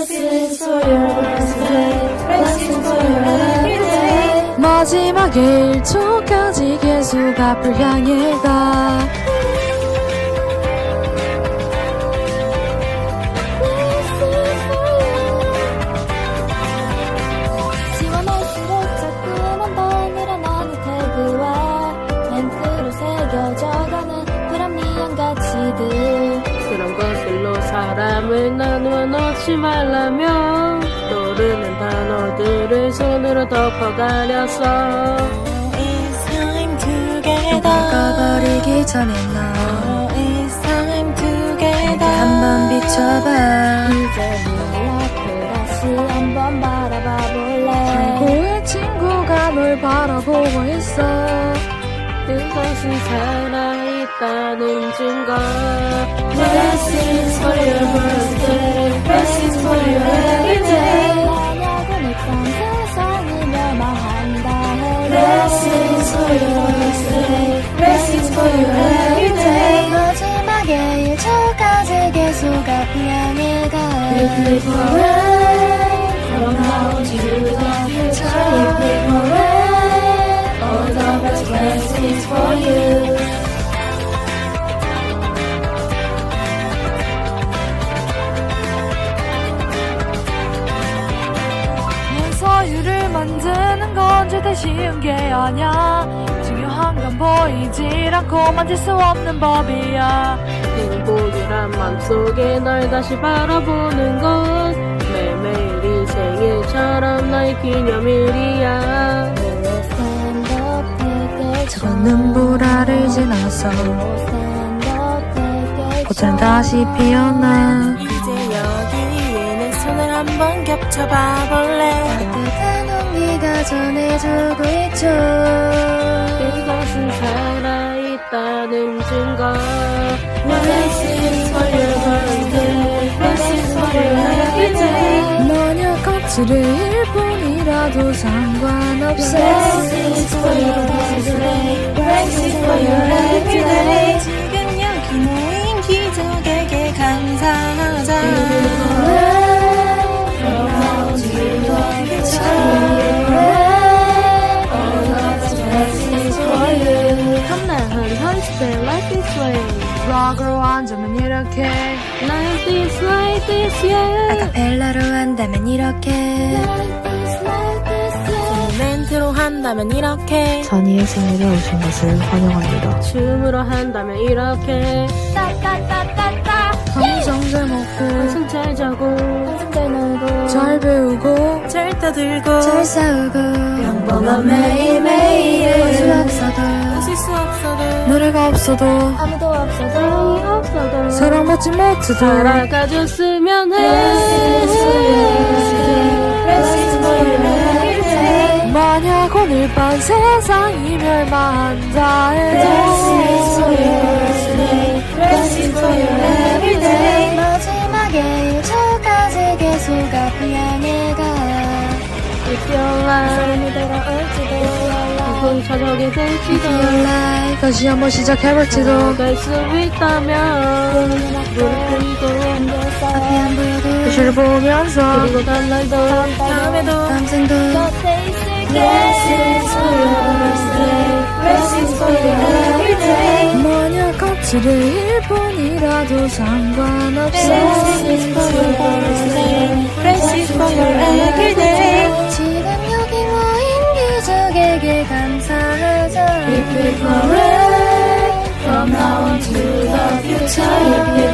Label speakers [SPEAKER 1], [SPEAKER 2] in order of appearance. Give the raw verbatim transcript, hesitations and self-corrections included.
[SPEAKER 1] Blessings for your birthday. Blessings for your everyday.
[SPEAKER 2] 마지막 일 초까지 계속 앞을 향해 가.
[SPEAKER 1] 지원할수록 자꾸만 더 늘어나는 태그와 멘트로 새겨져가는 불합리한 가치들.
[SPEAKER 3] 그런 것들로 사람을 나누어 놓지 말라며 떠오르는 단어들을 손으로 덮어가렸어.
[SPEAKER 1] It's time together.
[SPEAKER 2] 바꿔버리기 전에 너
[SPEAKER 1] It's time together.
[SPEAKER 2] 한번 비춰봐.
[SPEAKER 1] 이제 눈앞을 다시 한번 바라봐 볼래.
[SPEAKER 2] 고의 친구가 널 바라보고 있어.
[SPEAKER 3] 그것은 살아있다는 증거.
[SPEAKER 1] Blessings for your birthday. Blessings for your everyday. 만약은 일단 세상이 멸망한다 해도 Blessings for your birthday. Blessings for your everyday. 마지막에 일 초까지 계속 앞을 향해 가. If we forever from now to the future. If we forever all the best blessings for you.
[SPEAKER 2] 서유를 만드는 건 절대 쉬운 게 아냐. 중요한 건 보이질 않고 만질 수 없는 법이야.
[SPEAKER 3] 행복이란 맘속에 널 다시 바라보는 것. 매일매일이 생일처럼 나의 기념일이야.
[SPEAKER 2] 저건 눈보라를 지나서 꽃은 다시 피어나.
[SPEAKER 1] 이제 여기 위에 내 손을 한번 겹쳐봐 볼래. 따뜻한 온기가 전해주고 있죠.
[SPEAKER 3] 그것은 살아있다는 증거.
[SPEAKER 1] Blessings for your birthday. Blessings for your everyday.
[SPEAKER 2] 만약 거칠일 뿐이라도 상관없어.
[SPEAKER 1] Blessings for your birthday. Blessings for your everyday. 지금 여기 모인 기적에게 감사하자. From now to the future. All God's blessings for you.
[SPEAKER 3] 탐나한 한스페 like this way.
[SPEAKER 2] 락으로 한다면 이렇게,
[SPEAKER 3] Like this, like this, yeah.
[SPEAKER 2] 아카펠라로 한다면 이렇게,
[SPEAKER 1] 멘트로 한다면 이렇게.
[SPEAKER 2] 선의의 생일에 오신 것을 환영합니다.
[SPEAKER 3] 춤으로 한다면 이렇게.
[SPEAKER 1] 따따따따따.
[SPEAKER 2] 항상 잘 먹고
[SPEAKER 3] 항상 잘 자고
[SPEAKER 1] 항상 잘 놀고
[SPEAKER 2] 잘 배우고
[SPEAKER 1] 잘 떠들고
[SPEAKER 2] 잘 싸우고
[SPEAKER 1] 평범한 매일매일.
[SPEAKER 2] 웃을 수 없어도
[SPEAKER 1] 웃을 수 없어도
[SPEAKER 2] 노래가 없어도
[SPEAKER 1] 아무도 없어도
[SPEAKER 3] 없어도
[SPEAKER 2] 사랑받지 못해도
[SPEAKER 3] 살아가줬으면 해.
[SPEAKER 1] Blessings for your birthday. Blessings for your everyday.
[SPEAKER 2] 만약 오늘 밤 세상이 멸망한다 해도
[SPEAKER 1] Blessings for your birthday. Blessings for your everyday. 마지막에 일 초까지 계속 앞을 향해 가.
[SPEAKER 3] If your life
[SPEAKER 1] 사람이 돌아올지도
[SPEAKER 3] 군 저녁이 될지도
[SPEAKER 2] life 다시 한번 시작해볼지도
[SPEAKER 3] 갈 수 있다면 무릎 꿇고
[SPEAKER 2] 앞이 안 보여도 표시를 보면서
[SPEAKER 3] 그리고 다음날도
[SPEAKER 1] 다음에도
[SPEAKER 2] 다음 생도
[SPEAKER 1] Blessings for your birthday. Blessings for your everyday.
[SPEAKER 2] 만약 거칠일 뿐이라도 상관없어
[SPEAKER 1] Blessings for your birthday. Blessings for your everyday. 지금 여기 모인 기적에게 감사하자. If we forever from now on to the future.